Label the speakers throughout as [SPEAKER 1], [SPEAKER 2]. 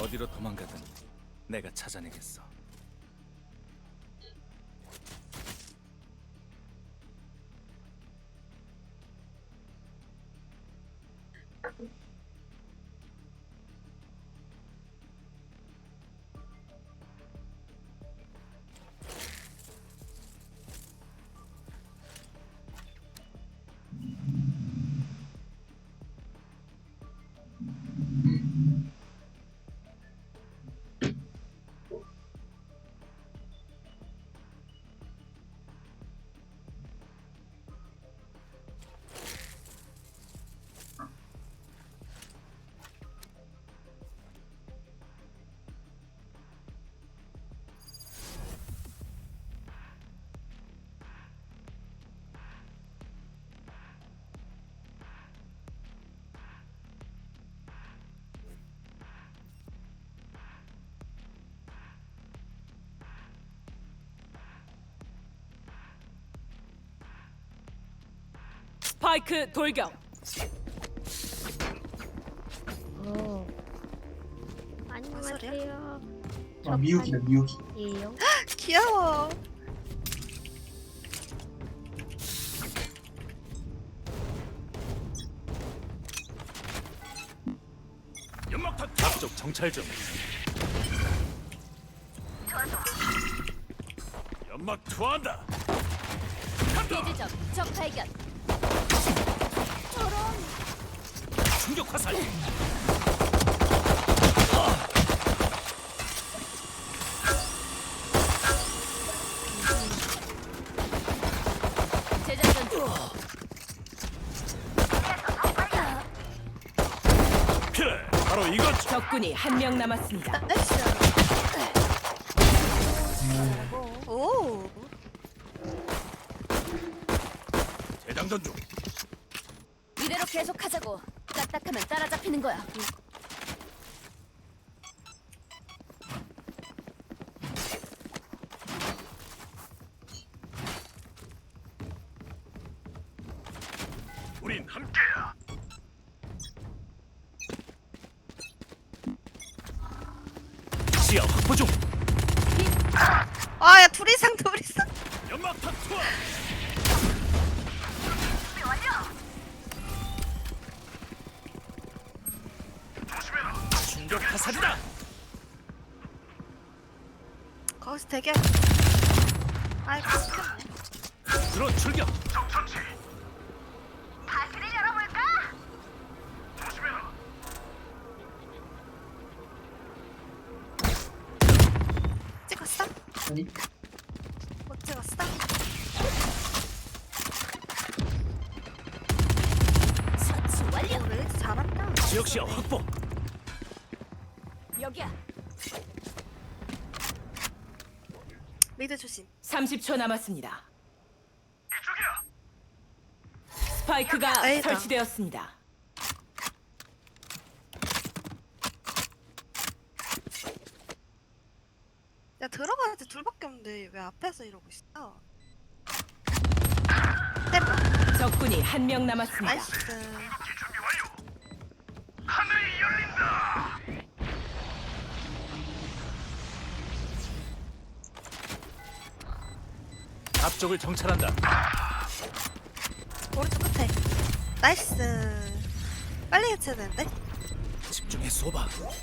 [SPEAKER 1] 어디로 도망가든 내가 찾아내겠어.
[SPEAKER 2] 스파이크 돌격.
[SPEAKER 3] 안녕하세요.
[SPEAKER 4] 아, 미육이다 미육이.
[SPEAKER 3] 예요.
[SPEAKER 5] 귀여워.
[SPEAKER 1] 연막탄 앞쪽 정찰 중. 연막 투하한다.
[SPEAKER 2] 대지점 적 발견.
[SPEAKER 1] 충격 화살.
[SPEAKER 2] 재장전 중.
[SPEAKER 1] 그래, 바로 이거지.
[SPEAKER 2] 적군이 한 명 남았습니다.
[SPEAKER 5] 나이스. 오.
[SPEAKER 1] 재장전 중.
[SPEAKER 2] 이대로 계속하자고. 까딱하면 따라잡히는 거야.
[SPEAKER 1] 우린 함께야. 시야 확보 중.
[SPEAKER 5] 아, 야, 둘 이상, 둘 이상.
[SPEAKER 1] 연막탄 투하. 충격 화살이다.
[SPEAKER 5] 거기서 되게. 아이고,
[SPEAKER 1] 들어 출격.
[SPEAKER 5] 찍었어?
[SPEAKER 4] 아니
[SPEAKER 5] 못 찍었어?
[SPEAKER 2] 처치 완료.
[SPEAKER 5] 왜 이렇게 잘한다?
[SPEAKER 1] 지역 시야 확보.
[SPEAKER 2] 여기야.
[SPEAKER 5] 미드 조심.
[SPEAKER 2] 30초 남았습니다. 스파이크가
[SPEAKER 5] 에이다.
[SPEAKER 2] 설치되었습니다.
[SPEAKER 5] 야, 들어가야 돼. 둘밖에 없는데 왜 앞에서 이러고 있어? 때려.
[SPEAKER 2] 적군이 한 명 남았습니다.
[SPEAKER 5] 나이스.
[SPEAKER 1] 앞쪽을 정찰한다.
[SPEAKER 5] 오른쪽 끝에. 나이스. 빨리 해쳐야 되는데?
[SPEAKER 1] 집중해 쏘봐.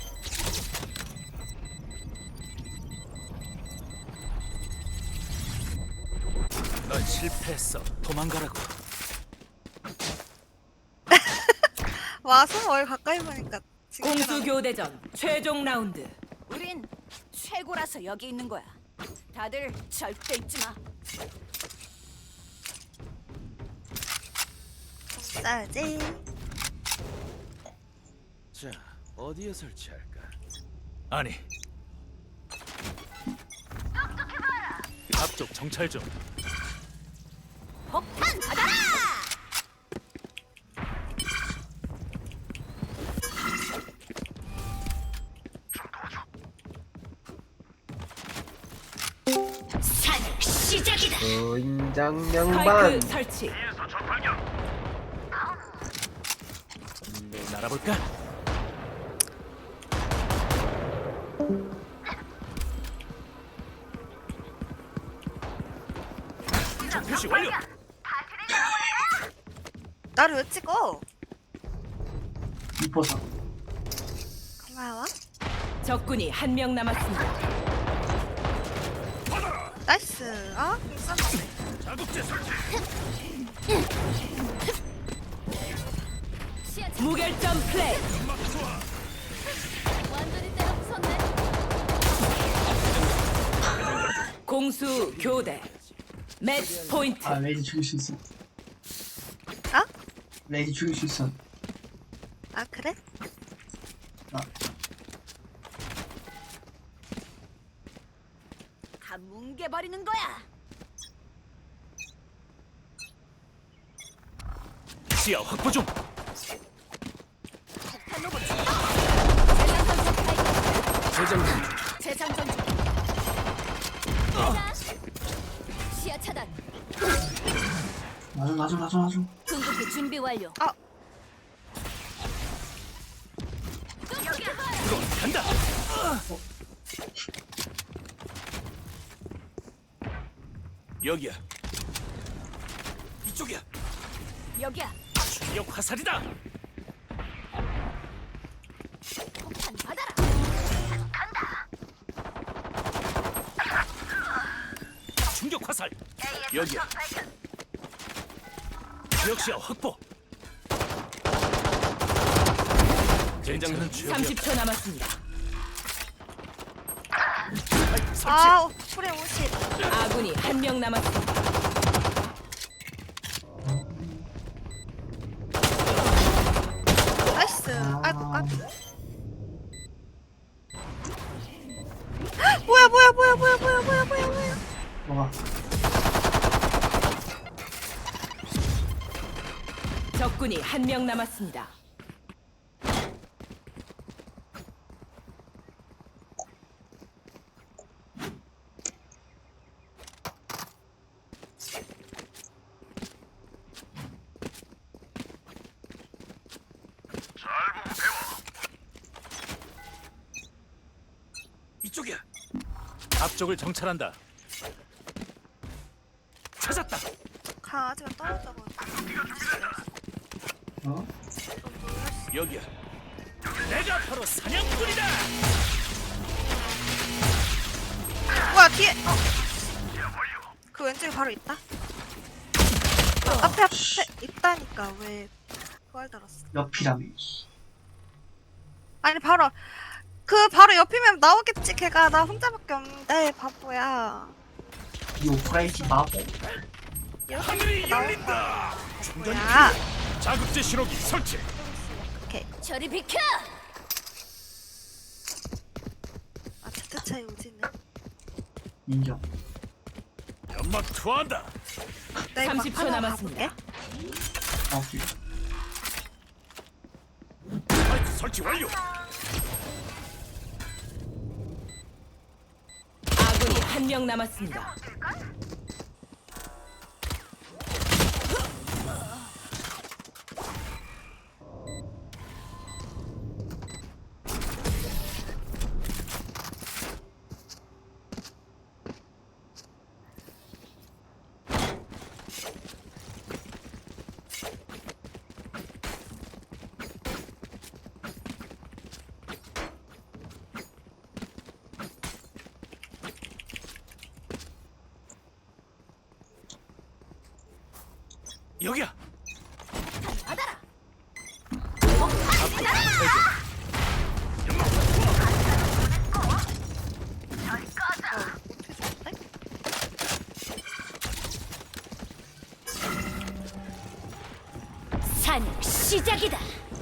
[SPEAKER 1] 넌 실패했어. 도망가라고.
[SPEAKER 5] 와, 손 얼 가까이 보니까.
[SPEAKER 2] 공수 교대전 최종 라운드. 우린 최고라서 여기 있는 거야. 다들 절대 잊지 마.
[SPEAKER 5] 싸야지.
[SPEAKER 1] 자, 어디에 설치할까? 아니. 앞쪽 정찰 중.
[SPEAKER 2] 폭탄 받아라! 산 시작이다.
[SPEAKER 4] 인장 양반.
[SPEAKER 2] 스파이크 설치.
[SPEAKER 1] 날아볼까? 표시 완료.
[SPEAKER 5] 나를 왜 찍어?
[SPEAKER 4] 이뻐서.
[SPEAKER 5] 고마워.
[SPEAKER 2] 적군이 한 명 남았습니다.
[SPEAKER 5] 나이스. 아, 싼데.
[SPEAKER 1] 자극제 설치.
[SPEAKER 2] 무결점 플레이. 공수 교대. 매치 포인트.
[SPEAKER 4] 아 레이지 죽일 수 있어.
[SPEAKER 5] 아?
[SPEAKER 4] 레이지 죽일 수 있어.
[SPEAKER 5] 아, 그래?
[SPEAKER 4] 아,
[SPEAKER 2] 다 뭉개버리는 거야.
[SPEAKER 1] 시야 확보 중.
[SPEAKER 2] 폭탄 로봇.
[SPEAKER 1] 재장전.
[SPEAKER 2] 재장전 중. 시야 차단.
[SPEAKER 4] 놔줘.
[SPEAKER 2] 궁극기 준비 완료.
[SPEAKER 5] 아,
[SPEAKER 1] 이거 간다. 여기야. 이쪽이야.
[SPEAKER 2] 여기야.
[SPEAKER 1] 충격 화살이다.
[SPEAKER 2] 폭탄 받아라.
[SPEAKER 1] 충격 화살. 여기야. 지역 시야 확보. 젠장은 최고야.
[SPEAKER 2] 30초 남았습니다.
[SPEAKER 1] 설치.
[SPEAKER 5] 아, 프레 50.
[SPEAKER 2] 아군이 한 명 남았습니다.
[SPEAKER 5] 나이스. 아이고, 아. 뭐야.
[SPEAKER 4] 뭐가?
[SPEAKER 2] 적군이 한 명 남았습니다.
[SPEAKER 1] 이쪽이야. 앞쪽을 정찰한다. 찾았다.
[SPEAKER 5] 강아지가 떨어져가지고.
[SPEAKER 4] 어?
[SPEAKER 1] 여기야. 내가 바로 사냥꾼이다.
[SPEAKER 5] 뭐야, 뒤에. 그 왼쪽에 바로 있다. 앞에 있다니까 왜 그걸 들었어?
[SPEAKER 4] 옆이라며.
[SPEAKER 5] 아니 바로 바로 옆이면 나오겠지. 걔가 나 혼자밖에 없는데 바보야.
[SPEAKER 4] 이 오프라이트 마법.
[SPEAKER 1] 하늘이 열린다. 중단.
[SPEAKER 5] 뭐야?
[SPEAKER 1] 자극제 신호기 설치.
[SPEAKER 5] 오케이.
[SPEAKER 2] 저리 비켜.
[SPEAKER 5] 아, 차트 차이 오지네.
[SPEAKER 4] 인정.
[SPEAKER 1] 연막 투하한다.
[SPEAKER 5] 내가
[SPEAKER 2] 30초 남았습니다.
[SPEAKER 4] 아, 오케이.
[SPEAKER 1] 스파이크 설치 완료.
[SPEAKER 2] 아군이 한 명 남았습니다.
[SPEAKER 1] 여기야.
[SPEAKER 2] 받아라. 사냥 시작이다.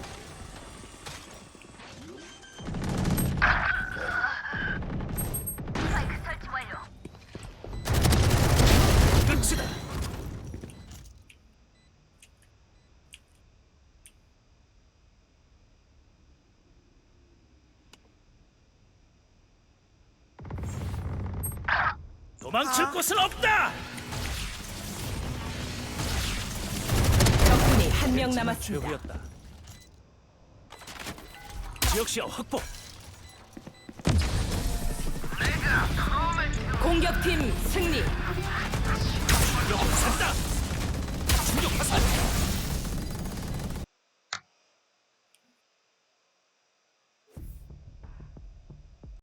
[SPEAKER 1] 끝이다. 도망칠 곳은 없다.
[SPEAKER 2] 적군이 한 명 남았습니다.
[SPEAKER 1] 최후였다. 지역 시야 확보.
[SPEAKER 2] 공격팀 승리.